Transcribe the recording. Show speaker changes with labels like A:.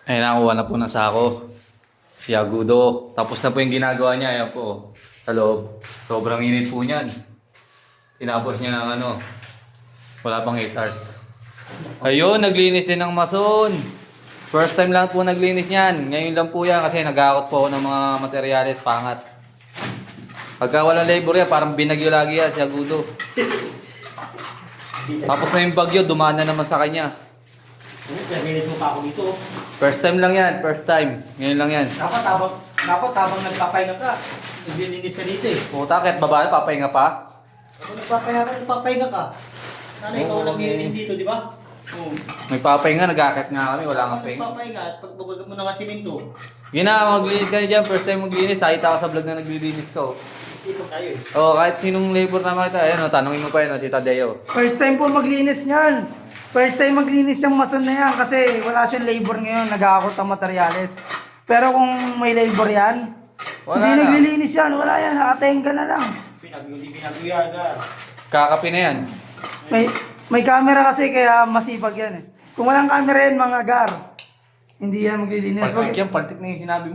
A: Ay, nakuha na po ng sako. Si Agudo. Tapos na po yung ginagawa niya. Ayan po. Sa loob. Sobrang init po niyan. Tinapos niya ng ano. Wala pang 8 hours. Ayun, naglinis din ng mason. First time lang po naglinis niyan. Ngayon lang po yan kasi nag-aakot po ako ng mga materyales pangat. Pagka wala labor yan, parang binagyo lagi yan si Agudo. Tapos na yung bagyo, dumaan na naman sa kanya.
B: Naglinis mo pa ako dito.
A: First time lang yan, first time. Ngayon lang yan.
B: Dapat habang nagpapahinga ka, naglilinis ka dito eh.
A: Puta, kahit babae, papahinga pa.
B: Kung nagpapahinga ka, sana ikaw
A: Oo,
B: naglilinis
A: eh.
B: dito, di ba? Oo.
A: May papahinga, nag-akit nga kami, wala
B: Kung
A: kang pahinga.
B: nagpapahinga at pagbabaga mo na nga siminto,
A: Yun na, maglinis ka na dyan. First time maglinis, nakita ko sa vlog na naglilinis ka. Oh.
B: dito tayo eh.
A: Oo, kahit sinong labor na makita. Ayan, oh, tanongin mo pa yun, oh, si Tadeo.
C: First time po maglinis niyan. First time maglinis yung mason na yan kasi wala siyang labor ngayon, nag-aakot ang materyales. Pero kung may labor yan,
A: Wala
C: hindi
A: na.
C: naglilinis yan, wala yan, nakatenga na lang.
B: Pinagluyan ka.
A: Kakapi na yan.
C: May camera kasi kaya masipag yan eh. Kung walang camera yan mga gar, hindi yan maglilinis.
A: Paltik yan, paltik na yung sinabi mo.